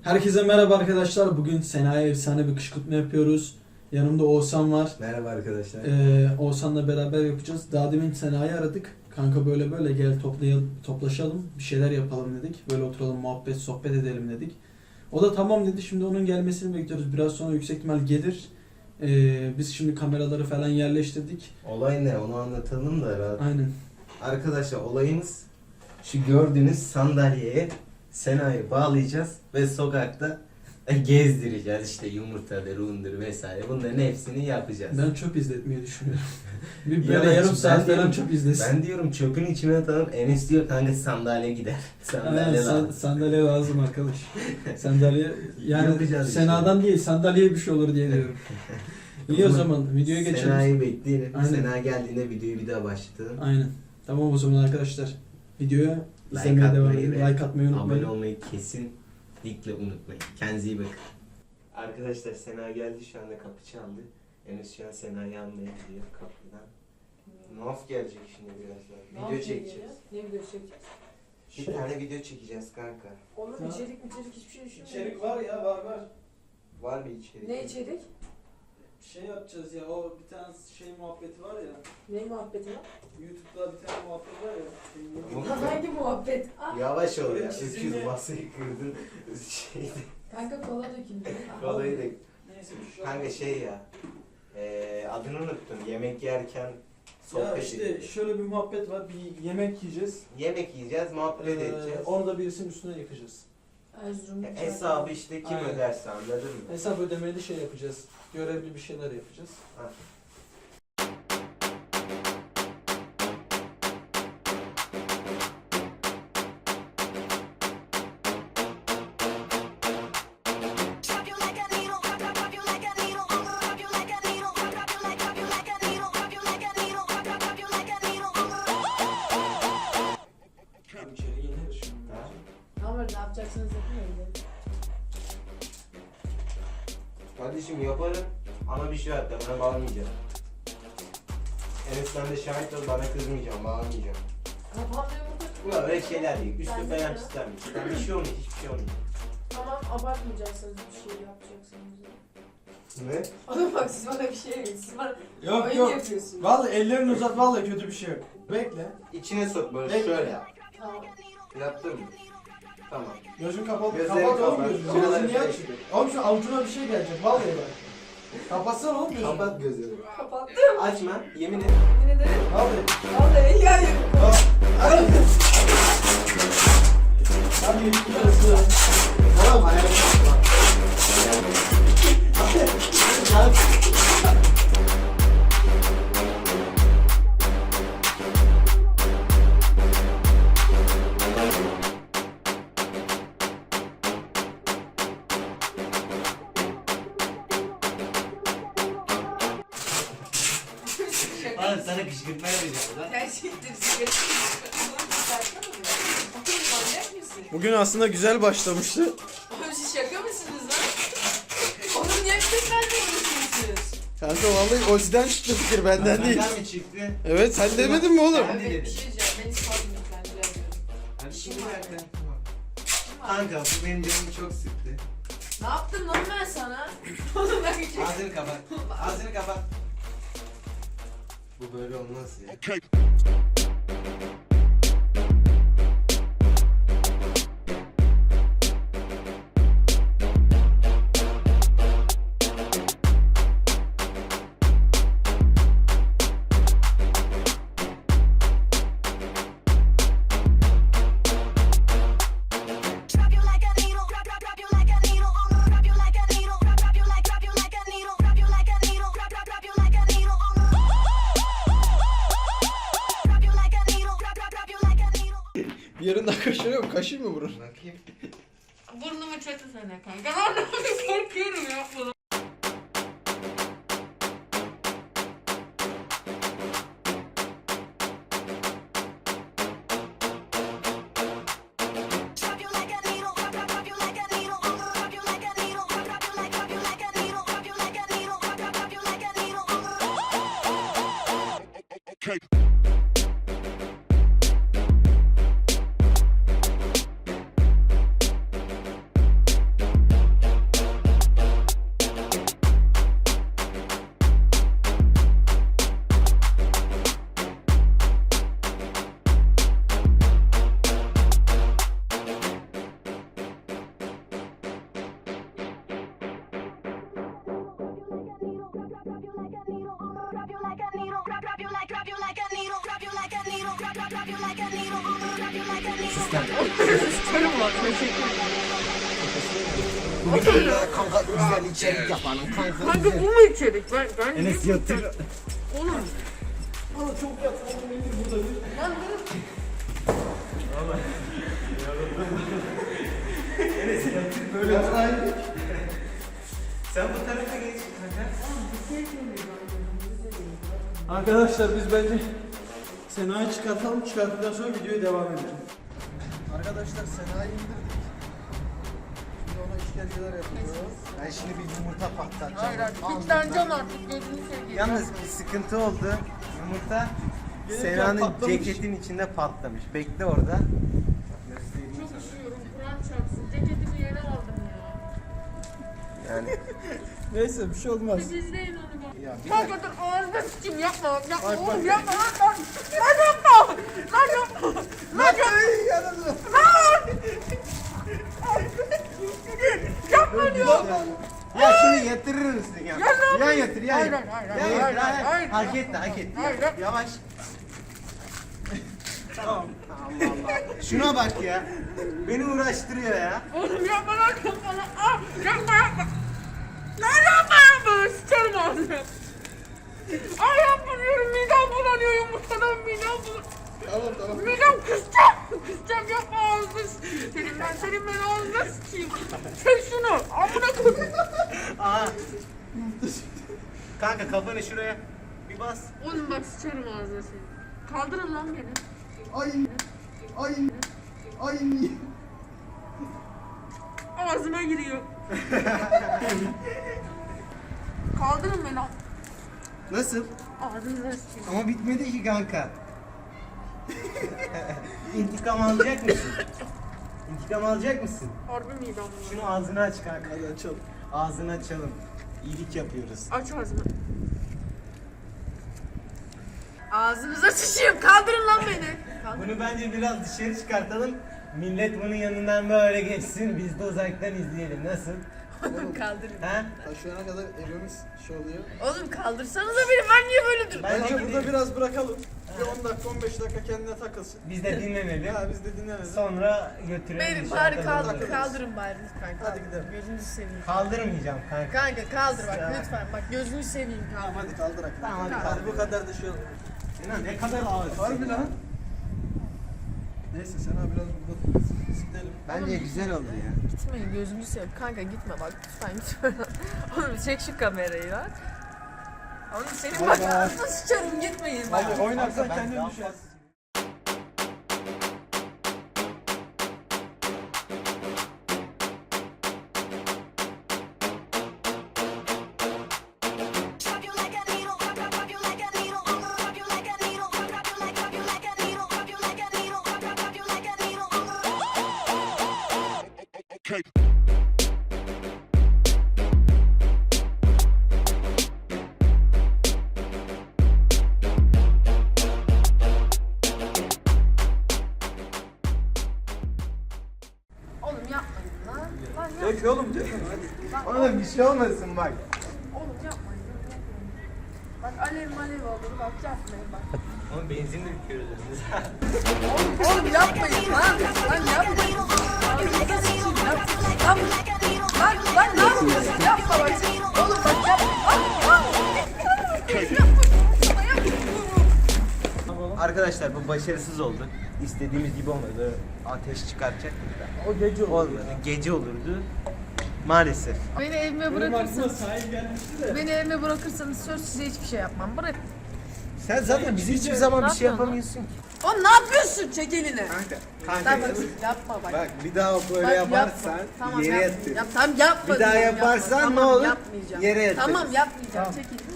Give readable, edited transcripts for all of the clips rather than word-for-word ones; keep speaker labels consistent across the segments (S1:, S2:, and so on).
S1: Herkese merhaba arkadaşlar. Bugün Sena'ya efsane bir kışkırtma yapıyoruz. Yanımda Oğuzhan var.
S2: Merhaba arkadaşlar.
S1: Oğuzhan'la beraber yapacağız. Daha demin Sena'yı aradık. Kanka böyle gel toplaşalım. Bir şeyler yapalım dedik. Böyle oturalım, muhabbet, sohbet edelim dedik. O da tamam dedi. Şimdi onun gelmesini bekliyoruz. Biraz sonra yüksek ihtimal gelir. Biz şimdi kameraları falan yerleştirdik.
S2: Olay ne? Onu anlatalım da rahat.
S1: Aynen.
S2: Arkadaşlar olayımız şu gördüğünüz sandalyeye Sena'yı bağlayacağız ve sokakta gezdireceğiz. İşte yumurtadır, undur vesaire. Bunların hepsini yapacağız.
S1: Ben çöp izletmeyi düşünüyorum. Bir
S2: Ya
S1: böyle yarım
S2: ben
S1: saat
S2: diyorum-
S1: falan çöp izlesin.
S2: Ben diyorum çöpün içine atalım. Enes diyor kanka sandalye gider. Sandalye lazım.
S1: Sandalye lazım arkadaş. Sandalye yani
S2: Yapacağız işte.
S1: Sena'dan değil sandalyeye bir şey olur diye diyorum. İyi o zaman videoya geçelim.
S2: Sena'yı bekleyelim.
S1: Aynen.
S2: Sena geldiğinde videoyu bir daha başlatalım.
S1: Aynen. Tamam o zaman arkadaşlar. Videoya
S2: Like
S1: izlemeye devam
S2: atmayı
S1: edin.
S2: ve
S1: Like atmayı
S2: Abone
S1: unutmayın.
S2: olmayı kesinlikle unutmayın. Kendinize iyi bakın. Arkadaşlar Sena geldi, şu anda kapı çaldı. Enes şu an Sena'yı almaya gidiyor kapıdan. Nof gelecek şimdi birazdan. Video çekeceğiz.
S3: Ne video çekeceğiz?
S2: Bir tane video çekeceğiz kanka.
S3: Oğlum
S1: Ha.
S3: içerik hiçbir şey düşünmüyorum.
S1: İçerik var ya var.
S2: Var bir içerik.
S3: Ne içerik?
S1: Şey yapacağız ya o bir tane şey muhabbeti var ya.
S3: Ne muhabbeti var?
S1: YouTube'da bir tane muhabbet var ya.
S2: Bu-
S3: Hangi muhabbet? Ah,
S2: Yavaş ol ya.
S1: Çizimli-
S2: Öküz masayı kırdın.
S3: kanka kola döküldü. Ah,
S2: Kolayı da.
S1: Neyse bir şey
S2: Kanka
S1: olmaz.
S2: şey ya. Adını unuttum. Yemek yerken
S1: Ya
S2: sohbet
S1: işte
S2: edeceğiz.
S1: şöyle bir muhabbet var. Bir yemek yiyeceğiz.
S2: Yemek yiyeceğiz, muhabbet edeceğiz.
S1: Orada birisinin üstüne yıkacağız.
S3: Erzurum'da.
S2: Hesabı işte kim
S1: Aynen.
S2: öderse, anladın mı?
S1: Hesap ödemeli şey yapacağız. Görevli bir şeyler yapacağız.
S2: Ha.
S4: Drop you like a needle, drop you like a needle, drop you like a needle, drop you like a needle, drop you like a needle, drop you like a needle.
S1: İçeri yenir şimdi.
S2: Ha?
S3: Tamam ne yapacaksınız yapın öyle.
S2: Kardeşim yaparım ama bir şey var, bana bağlamayacağım. Enes sen de şahit ol, bana kızmayacağım, bağlamayacağım.
S3: Kafamda yumurta.
S2: Bu öyle şeyler değil, üstü
S3: Ben de
S2: falan
S3: ya.
S2: pislenmiş. Ben bir şey olmuyor, hiçbir şey olmuyor.
S3: Tamam abartmayacaksınız bir şey yapacaksınız.
S2: Ne?
S3: Oğlum bak siz bana bir şey yapın. Siz bana
S1: Yok
S3: oyun
S1: yok.
S3: yapıyorsunuz.
S1: Vallahi ellerini uzat vallahi kötü bir şey yok. Bekle.
S2: İçine sok böyle,
S1: Bekle.
S2: şöyle yap.
S3: Tamam.
S2: Yaptın mı? Tamam.
S1: Gözün kapalı.
S2: Gözlerini
S1: Kapat oğlum
S2: kapat.
S1: gözünü.
S2: Şuraları
S1: Gözünü niye
S2: karıştır.
S1: açıyorsun? Oğlum şu avucuna bir şey gelecek vallahi bak. Kapatsana oğlum gözünü.
S2: Kapat gözlerini.
S3: Kapattım.
S2: Açma, yemin et.
S3: Yemin ederim.
S1: Vallahi.
S3: Vallahi ya yok.
S1: Hadi. Hadi gidiyorsun.
S2: Tamam, ayağını kapatma. Oğlum sana kışkırtma yapacağım lan.
S3: Gerçekten sigara manyak mısın?
S1: Bugün aslında güzel başlamıştı.
S3: Oğlum siz şaka mısınız lan? Oğlum niye bir vermiyorsunuz?
S1: Kanka vallahi Ozi'den çıktı fikir benden değil.
S2: Benden mi çıktı?
S1: Evet sen demedin mi oğlum?
S2: Ben
S3: Ben
S2: de
S3: bir
S2: dedim.
S3: şey diyeceğim. Ben ispatım lütfen rica ediyorum.
S2: Hadi şimdi zaten. Kanka bu benim canımı çok sıktı.
S3: Ne yaptım lan ben sana? Oğlum ben bir şey...
S2: Ağzını kapat. Ağzını kapat. Bu böyle olmaz ya.
S4: Drop you like a needle, drop you like a needle, drop you like a needle, drop you like a needle, drop you like a needle, drop you like a needle. Drop you like a needle, drop you like a needle.
S1: Bir yerinden kaşınıyor mu? Kaşıyım mı burun?
S2: Bakayım.
S3: Burnumu çatısana kanka. Ben korkuyorum yapma.
S4: Drop you like a needle, drop you like a needle, drop you like a needle, drop you like a needle, drop you like a needle, drop you like a needle. drop you like a needle. I'ma drop you like a needle.
S3: Sıçarım lan. Teşekkür ederim.
S2: Kanka güzel içerik yapalım kanka.
S3: Kanka bu mu içerik? Ben
S2: Enes yatır.
S3: Oğlum.
S1: Ama çok yatma oğlum indir burada bir.
S3: Lan dur.
S1: Böyle yapsaydık.
S2: Sen bu tarafa geç kanka.
S1: Arkadaşlar biz bence Sena'yı çıkartalım. Çıkarttıktan sonra videoya devam edelim. Arkadaşlar Sena'yı indirdik. Şimdi ona işkenceler yapıyoruz.
S2: Ben şimdi bir yumurta patlatacağım.
S3: Hayır artık. Fitleneceğim artık. Gözünü seveyim.
S2: Yalnız bir sıkıntı oldu. Yumurta
S1: Gelirken
S2: Sena'nın
S1: patlamış.
S2: ceketin içinde patlamış. Bekle orada. Göstereyim
S3: Çok
S2: sana.
S3: üşüyorum. Kur'an çarpsın. Ceketimi yere aldım ya.
S2: Yani
S1: Neyse bir şey olmaz.
S3: Siz izleyin onu bak.
S2: ya bir
S3: Kanka dur ağzına sıçayım yapma. Yapma
S1: Bak,
S3: oğlum
S1: bak.
S3: yapma lan. Lan yapma. Lan yapma. Lan yapma. Yapma diyor.
S2: Ya şunu yatırır mısın ya?
S3: Ya ne
S2: Yan yatır, yan
S3: Hayır,
S2: yatır.
S3: hayır,
S2: Yan
S3: hayır,
S2: yatır,
S3: hayır, hayır.
S2: Hak etti, hak etti.
S3: Hayır, hayır.
S2: Yavaş.
S1: Tamam.
S2: Allah Allah. Şuna bak ya. Beni uğraştırıyor ya.
S3: Oğlum yapma lan yapma lan. Ah, yapma yapma. Lan yapma yapma. Sıçarım ağzına. Ay yapma diyorum. Midem bulanıyor yumurtadan midem bulanıyor.
S1: Tamam.
S3: Midem kusacağım. Kusacağım yapma ağzına sıçayım. Senin ben ağzına sıçayım. Çek şunu. Amına koyayım.
S2: Aa. Kanka kafanı şuraya bir bas.
S3: Oğlum bak sıçarım ağzına seni. Kaldırın lan beni.
S1: Ay.
S3: Ağzıma giriyor. Kaldırın beni.
S2: Nasıl?
S3: Ağzınıza sıçayım.
S2: Ama bitmedi ki kanka. İntikam alacak mısın? İntikam alacak mısın?
S3: Harbi midem bulanıyor.
S2: Şunu ağzını aç kanka.
S1: Hadi açalım.
S2: Ağzını açalım. İyilik yapıyoruz.
S3: Aç ağzını. Ağzınıza sıçayım. Kaldırın lan beni.
S2: Bunu bence biraz dışarı çıkartalım. Millet bunun yanından böyle geçsin. Biz de uzaktan izleyelim. Nasıl?
S3: Kaldırın.
S2: Ha?
S1: Şu ana kadar evimiz şey oluyor.
S3: Oğlum kaldırsanıza beni. Ben niye böyle duruyorum?
S2: Bence
S1: Bence burada
S2: gidelim.
S1: biraz bırakalım. Bir 10 dakika 15 dakika kendine takılsın.
S2: Biz de dinlenelim.
S1: Ya biz de dinlemedik.
S2: Sonra götürelim.
S3: Beni
S2: dışarıda
S3: bari kaldır,
S2: buluruz.
S3: kaldırın bari lütfen.
S1: Hadi gidelim.
S3: Gözünüzü seveyim.
S2: Kaldırmayacağım kanka.
S3: Kanka kaldır bak
S2: Ya.
S3: lütfen. Bak gözünü seveyim
S1: Tamam
S3: kanka.
S1: hadi kaldırak.
S2: Tamam, hadi
S1: Hadi
S2: kaldır.
S1: bu kadar da şey oldu.
S2: Sinan ne kadar ağır.
S1: Harbi lan. Neyse Sena biraz burada sikleyelim.
S2: Bence güzel oldu ya.
S3: Gitmeyin gözünü seveyim. Kanka gitme bak lütfen gitme. Oğlum çek şu kamerayı lan. Oğlum senin bak ağzına sıçarım gitmeyin bak.
S1: Hadi oynarsan
S2: Ben
S1: kendin
S2: daha
S1: düşersin.
S4: Drop you like a needle. Drop you like a needle. I'ma drop you like a needle. Drop you like a needle. Drop you like a needle. Drop you like a needle.
S3: Oğlum yapmayın lan. Lan yapmayın.
S1: Dök oğlum dök. Hadi.
S2: Oğlum bir şey olmasın bak.
S3: Oğlum yapmayın. Bak alev malev olur bak yapmayın bak.
S2: Oğlum benzinle bitiyoruz.
S3: Oğlum yapmayın lan. Lan yapmayın. Ağzınıza sıçayım lan. Lan ne yapıyorsun? Yapma bak. Oğlum bak yapma.
S2: Arkadaşlar bu başarısız oldu. İstediğimiz gibi olmadı. Ateş çıkartacaktık da.
S1: O gece oldu.
S2: Olmadı. Gece olurdu. Maalesef.
S3: Beni evime
S1: Benim aklıma
S3: bırakırsanız,
S1: sahil gelmişti de.
S3: beni evime bırakırsanız söz size hiçbir şey yapmam. Bırak.
S2: Sen zaten bize hiçbir zaman
S3: Ne
S2: bir şey
S3: yapıyorsun
S2: yapamıyorsun ki.
S3: Oğlum ne yapıyorsun? Çek elini.
S2: Kanka.
S3: Lan bak yapma bak.
S2: Bak bir daha böyle
S3: Bak,
S2: yaparsan
S3: yapma. Tamam,
S2: yere
S3: yapma.
S2: yatır.
S3: Yap, tamam yapma.
S2: Bir daha
S3: diyorum,
S2: yaparsan
S3: yapma.
S2: ne
S3: Tamam,
S2: olur?
S3: Yapmayacağım.
S2: Yere yatırırız.
S3: Tamam yapmayacağım. Çek elini.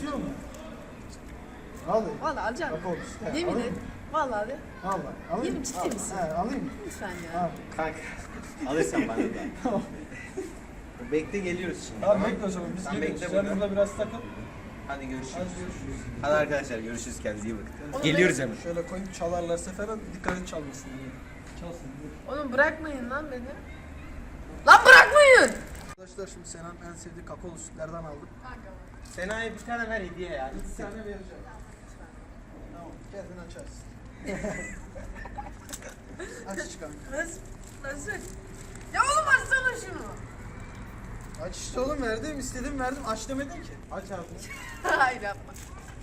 S1: Al.
S3: Valla alacağım.
S1: Bak oğlum işte.
S3: Yemin
S1: Alayım
S3: et.
S1: mı?
S3: Valla de.
S1: Al bak. Alayım
S3: Yemin
S1: mı?
S3: ciddi
S1: Al.
S3: misin?
S1: He, alayım mı?
S3: Lütfen
S1: Al.
S3: ya.
S2: Kanka. Alırsan bana da.
S1: Tamam.
S2: Bekle geliyoruz şimdi.
S1: Tamam bekle o zaman. Biz
S2: Sen
S1: geliyoruz.
S2: bekle
S1: Sen
S2: burada.
S1: burada biraz takıl.
S2: Hadi görüşürüz.
S1: Hadi görüşürüz.
S2: Hadi arkadaşlar görüşürüz, kendinize iyi bakın.
S3: Oğlum
S2: Geliyoruz hemen.
S1: Şöyle koyup çalarlarsa falan dikkat et çalmasın diye. Çalsın diye.
S3: Oğlum bırakmayın lan beni. Lan bırakmayın.
S1: Arkadaşlar şimdi Sena'nın en sevdiği kakaolu sütlerden aldım.
S2: Sena'ya bir tane ver hediye ya.
S1: Bir tane vereceğim. Tamam kendin açarsın. Aç kanka.
S3: Nasıl? Ya oğlum açsana şunu.
S1: Aç işte oğlum, verdim istedim verdim, aç demedin ki. Aç ağzını.
S3: Hayır yapma.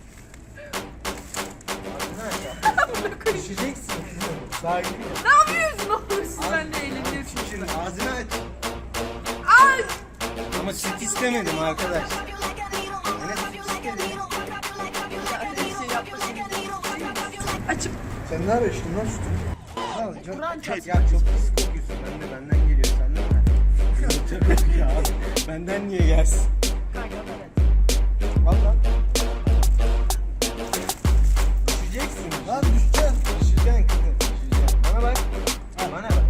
S2: Düşeceksin. Sakin ol.
S3: Ne yapıyorsun oğlum siz benimle eğleniyorsunuz.
S2: Şimdi ağzını aç.
S3: Ay!
S2: Ama süt istemedim arkadaş.
S3: Ya bir şey yapma şimdi. Açıp
S1: Sen ne arıyorsun lan sütü?
S3: Kur'an çarpsın.
S2: Ya çok pis kokuyorsun. Benden geliyor. Senden mi? Tabii ya. Benden niye gelsin?
S3: Kanka evet.
S2: Al lan. Düşeceksin.
S1: Lan düşeceksin.
S2: Düşeceksin kızım. Düşeceksin. Bana bak. Bana bak.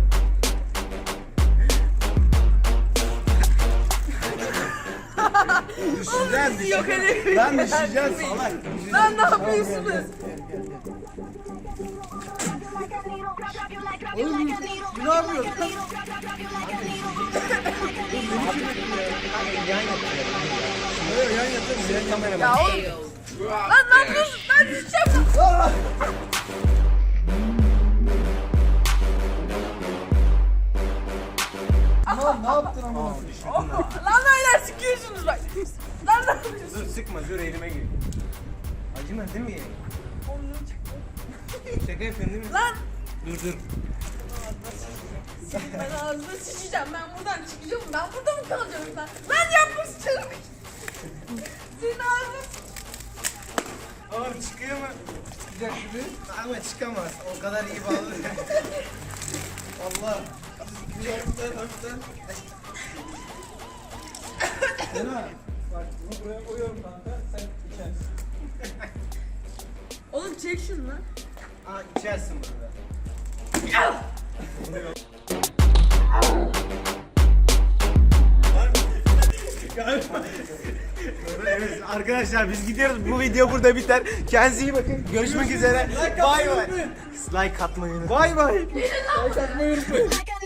S2: Düşeceksin.
S3: Yok hele.
S2: Lan düşeceksin salak.
S3: Lan ne yapıyorsunuz?
S1: Oğlum ne yapıyorsun?
S2: Yan yapıyor.
S1: Hayır yan yatırım.
S2: Senin kamera
S3: Ya
S2: bak.
S3: oğlum. Lan ne yapıyorsun? Ben düşeceğim lan.
S1: Lan ne yaptın ama?
S3: Lan öyle sıkıyorsunuz bak. Lan ne yapıyorsun?
S2: Dur sıkma dur elime gir. Acıma değil mi? Şaka yapıyorsun değil mi?
S3: Lan.
S2: Dur.
S3: Ben ağzına sıçacağım. Ben buradan çıkacağım. Ben burada mı kalacağım sen? Lan yapma sıçarım. Senin ağzına
S2: Oğlum çıkıyor mu? Çıkacak gibi. Ama çıkamaz. O kadar iyi bağlı. Allah. Öpten.
S1: Sena bak bunu buraya koyuyorum kanka, sen içersin.
S3: Oğlum çek şunu lan.
S2: Aa içersin burada. Evet arkadaşlar biz gidiyoruz. Bu video burada biter. Kendinize iyi bakın. Görüşmek üzere. Bay bay. Like atmayı unutmayın. Bay bay.
S1: Takmayı unutmayın.
S4: Like a